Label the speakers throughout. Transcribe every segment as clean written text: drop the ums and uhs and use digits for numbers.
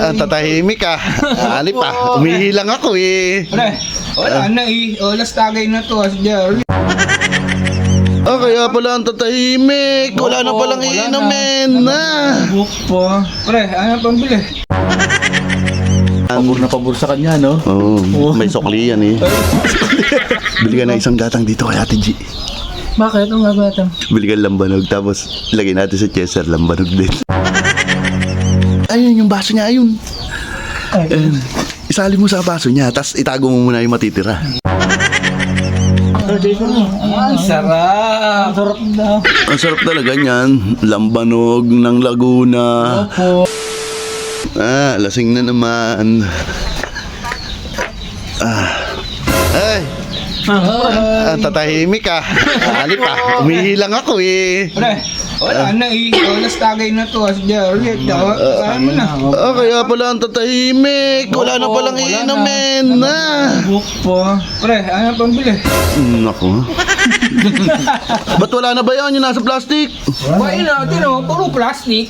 Speaker 1: tatahimik ka. Ano pa? Umihi lang ako eh.
Speaker 2: Pre, wala na eh. Olas tagay na to. As Jerry.
Speaker 1: Kaya pala ang tatahimik. Wala na palang
Speaker 2: Wala
Speaker 1: iinumin na.
Speaker 2: Book po. Pre, ano pambili?
Speaker 3: Pabor na pabor sa kanya, no?
Speaker 1: Oo, may sukli yan eh. Bili ka na isang gatang dito kay Ate G.
Speaker 3: Bakit? Ang gagawin?
Speaker 1: Bili ka lambanog tapos lagay natin sa Chester lambanog din. Ayun yung baso niya, ayun. Isali mo sa baso niya tapos itago mo muna yung matitira.
Speaker 2: Ang sarap.
Speaker 3: Ang sarap daw.
Speaker 1: Ang sarap talaga niyan. Lambanog ng Laguna.
Speaker 3: Opo.
Speaker 1: Lasing na naman. Ay, tatahimik ka. Ano pa? Umihi lang ako eh.
Speaker 2: Pre, wala na eh. Olas tagay na to. As Jerry. Kaya mo na.
Speaker 1: Kaya pala ang tatahimik. Wala na palang
Speaker 2: Wala na.
Speaker 1: iinumin na.
Speaker 2: Book po. Pre, ano pambili?
Speaker 1: Naku. Ba't wala na ba yan yung nasa plastic?
Speaker 2: Why natin oh. Puro plastic.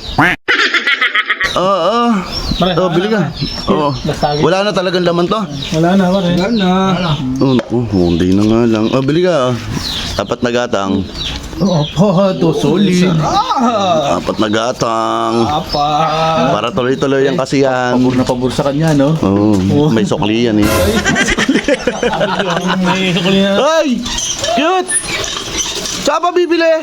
Speaker 1: Oo. Bili ka. Oo. Wala na talagang laman to.
Speaker 3: Wala na, pare.
Speaker 2: Wala na.
Speaker 1: Hindi na nga lang. Bili ka. Apat na gatang.
Speaker 3: Opo, to solid.
Speaker 1: Apat na gatang.
Speaker 2: Apa.
Speaker 1: Para tuloy-tuloy ang kasiyan.
Speaker 3: Pabor na pabor sa kanya, no?
Speaker 1: Oo. May sukli yan eh.
Speaker 3: May sukli na.
Speaker 1: Ay! Cute! Saan pa bibili?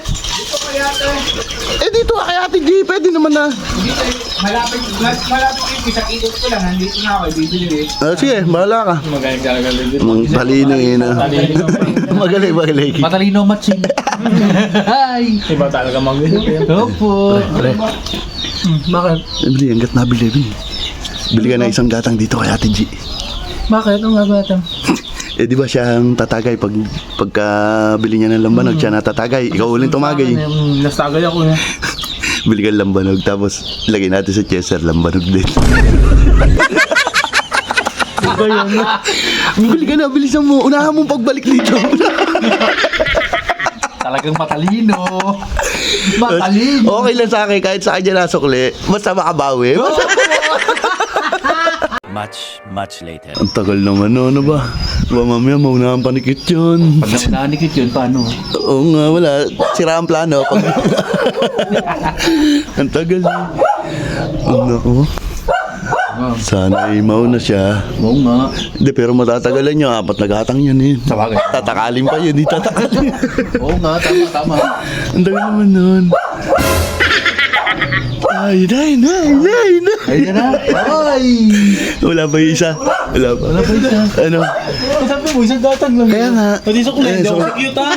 Speaker 1: Dito kay Ate G. Pwede naman na.
Speaker 2: Malapit yung isang ikot ko lang. Nandito na ako. Bibili eh.
Speaker 1: Sige, bahala ka. Talino eh na. Magaling.
Speaker 3: Matalino matching. Hi! Iba talaga mag-isip. Opo. Bakit?
Speaker 1: Bili, hanggat nabili. Bili ka na isang gatang dito kay Ate G.
Speaker 3: Bakit? Ang gagawin?
Speaker 1: Di ba siya ang tatagay pagka bili niya ng lambanog, siya natatagay. Ikaw uling tumagay.
Speaker 3: Nastagay ako na.
Speaker 1: Bili ka ng lambanog tapos lagay natin sa Chester lambanog din. Bili ka na, bilisan mo. Unahan mong pagbalik dito.
Speaker 3: Talagang matalino. Matalino.
Speaker 1: Okay lang sa akin kahit sa kanya nasukli. Basta makabawi.
Speaker 4: Much later.
Speaker 1: Ang tagal naman, no? Ano ba? Diba mamaya maunahan panikit yun.
Speaker 3: Pag nanikit yun, paano?
Speaker 1: Oo nga, wala. Sira ang plano. Ang tagal. Naku. Sana ay mauna siya.
Speaker 3: Oo nga.
Speaker 1: Hindi, pero matatagalan niya. Apat na gatang yan eh.
Speaker 3: Sa bagay.
Speaker 1: Tatakalin pa yun, di tatakalin.
Speaker 3: Oo nga, tama.
Speaker 1: Ang tagal naman nun. Ay,
Speaker 3: Ay na. Ay!
Speaker 1: Wala ba yung isa? Wala ba? Ano?
Speaker 3: Sabi mo, isang gatang lang.
Speaker 1: Kaya nga.
Speaker 3: Pati sa kulay, daw cute ha?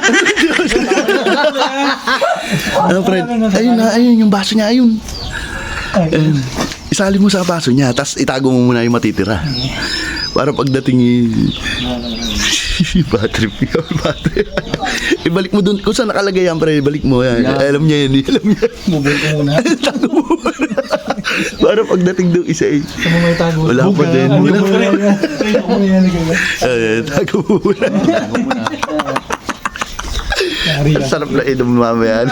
Speaker 1: Ano, friend? Ayun yung baso niya, ayun. Isali mo sa baso niya, tapos itago mo muna yung matitira. Para pagdating battery. Ibalik mo dun. Kung saan nakalagay yan, pre, ibalik mo yan. Alam niya yan.
Speaker 3: Mobile ko muna.
Speaker 1: Tago mo muna. Para pagdating doon isa eh.
Speaker 3: Sa mga tago.
Speaker 1: Wala pa din. Wala pa rin.
Speaker 3: Rin.
Speaker 1: Tago mo muna. Ang sarap na inom mamaya.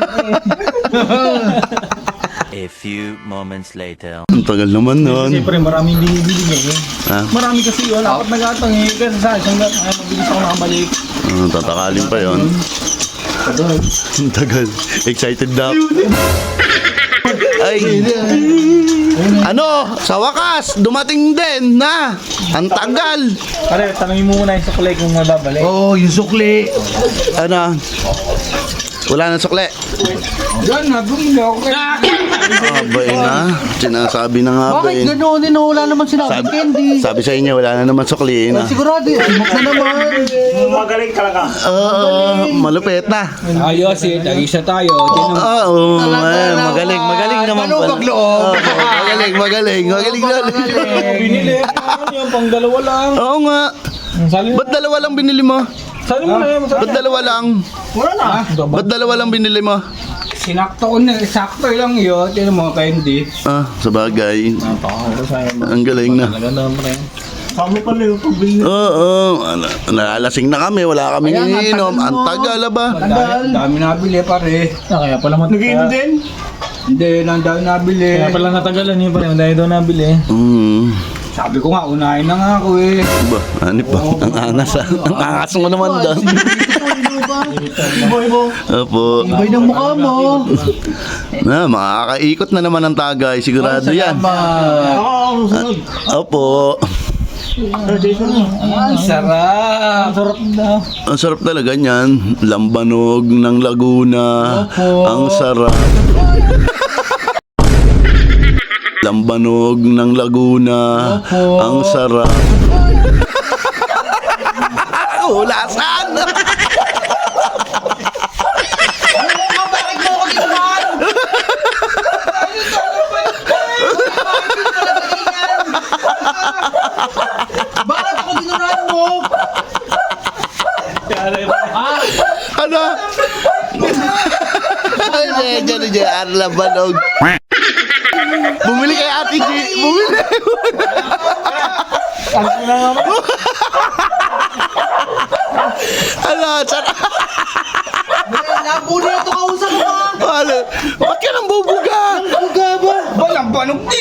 Speaker 4: A few moments later.
Speaker 1: Ang tagal naman nun.
Speaker 3: Siyempre, maraming binibili niya eh.
Speaker 1: Ha?
Speaker 3: Marami kasi yun. Apat na gatang eh. Kasi sa isang gatang ay mabilis ako nakabalik.
Speaker 1: Tatakalin pa yon. Ang tagal. Excited na ako. Ay. Ano? Sa wakas, dumating din na. Ang tagal.
Speaker 3: Pare, tanongin mo muna yung sukulay kung mababalik.
Speaker 1: Yung sukli. Ano? Wala nang sukli.
Speaker 2: Yan na. Bumili ako kay...
Speaker 1: Abay na. Sinasabi na nga ba
Speaker 3: Bakit gano'n din? Wala naman sinabi candy.
Speaker 1: Sabi sa inyo, wala na naman sukli na.
Speaker 3: Sigurado, simok na naman.
Speaker 1: Malupit na.
Speaker 2: Ayos eh. Tag-isa tayo.
Speaker 1: Magaling naman pala. Magaling na.
Speaker 3: Binili. Yung pang dalawa lang.
Speaker 1: Oo nga. Ba't dalawa lang binili mo?
Speaker 3: Sali mo na yun.
Speaker 1: Ba't dalawa lang?
Speaker 2: Wala na.
Speaker 1: Ba't dalawa lang binili mo?
Speaker 2: Sinakto ko na. Sakto lang yun. Tinan mo, candy.
Speaker 1: Sa bagay. Ang galing na.
Speaker 3: Kami pala yung pabili.
Speaker 1: Oo. Nalalasing na kami. Wala kami iniinom. Ang tagal ba?
Speaker 2: Dami nabili pare.
Speaker 3: Kaya pala matagal. Nag-iinom din? Hindi, lang daw nabili.
Speaker 5: Kaya pala natagalan yun pa rin, dahil daw nabili.
Speaker 3: Sabi ko nga, unahin na nga ako eh.
Speaker 1: Ba, ano pa? Ang angas ah. Ang angas mo naman doon. Opo.
Speaker 3: Ibay ng mukha mo.
Speaker 1: Na, makakaikot na naman ang tagay. Sigurado yan. Opo.
Speaker 3: Ang sarap.
Speaker 5: Ang sarap daw.
Speaker 1: Ang sarap talaga niyan. Lambanog ng Laguna. Ang sarap. Lambanog ng Laguna. Ang sarap. Ulasan!
Speaker 3: Bakit ako dinuran mo?
Speaker 1: Ano? Diyan, lambanog. Bumili kay Ate G. Bumili. Ano? Sarap.
Speaker 3: Napuli ito kausap mo.
Speaker 1: Ano? Ba't ka nang bubuga?
Speaker 3: Buga ba?
Speaker 2: Walang banog